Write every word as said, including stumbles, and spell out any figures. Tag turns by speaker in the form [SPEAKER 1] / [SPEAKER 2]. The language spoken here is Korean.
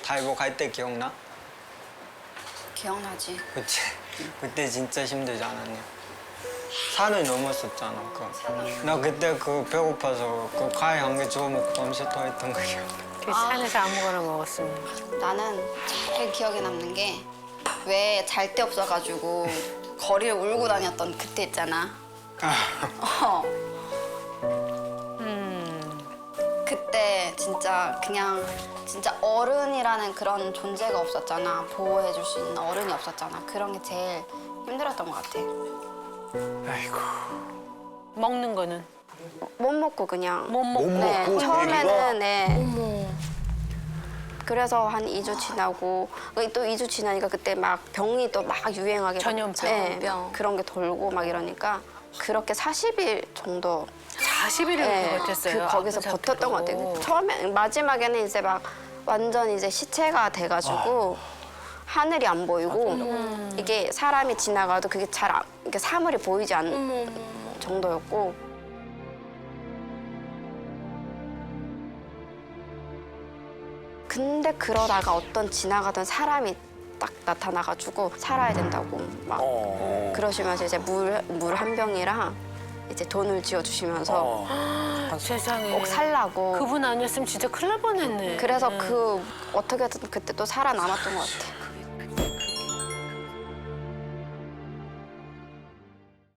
[SPEAKER 1] 다이버 갈 때 기억나?
[SPEAKER 2] 기억나지?
[SPEAKER 1] 그치? 그때 진짜 힘들지 않았냐? 산을 넘었었잖아. 그. 나 그때 그 배고파서 그 과일 한 개 주워 먹고 밤새 토했던 거 기억나.
[SPEAKER 3] 그 산에서 아무거나 먹었으면.
[SPEAKER 2] 나는 제일 기억에 남는 게 왜 잘 데 없어가지고 거리를 울고 다녔던 그때 있잖아. 어. 그때 진짜 그냥 진짜 어른이라는 그런 존재가 없었잖아. 보호해줄 수 있는 어른이 없었잖아. 그런 게 제일 힘들었던 것 같아.
[SPEAKER 1] 아이고.
[SPEAKER 3] 먹는 거는?
[SPEAKER 2] 못 먹고 그냥.
[SPEAKER 3] 못 먹고.
[SPEAKER 2] 네,
[SPEAKER 4] 먹고
[SPEAKER 2] 처음에는 네. 그래서 한 이 주 지나고 또 이 주 지나니까 그때 막 병이 또 막 유행하게 막,
[SPEAKER 3] 전염병.
[SPEAKER 2] 네,
[SPEAKER 3] 병.
[SPEAKER 2] 그런 게 돌고 막 이러니까 그렇게 사십 일 정도
[SPEAKER 3] 사십 일을
[SPEAKER 2] 네,
[SPEAKER 3] 버텼어요.
[SPEAKER 2] 그 거기서
[SPEAKER 3] 아픈
[SPEAKER 2] 버텼던 것
[SPEAKER 3] 상태로.
[SPEAKER 2] 같아요. 처음에 마지막에는 이제 막 완전 이제 시체가 돼가지고 하늘이 안 보이고 이게 사람이 지나가도 그게 잘 안, 이렇게 사물이 보이지 않는 정도였고. 근데 그러다가 어떤 지나가던 사람이 딱 나타나가지고 살아야 된다고 막
[SPEAKER 4] 어.
[SPEAKER 2] 그러시면서 이제 물 물 한 병이랑 이제 돈을 쥐어주시면서
[SPEAKER 4] 어.
[SPEAKER 3] 세상에.
[SPEAKER 2] 꼭 살라고.
[SPEAKER 3] 그분 아니었으면 진짜 큰일 날 뻔했네.
[SPEAKER 2] 그래서 그 어떻게든 그때 또 살아남았던 것 같아.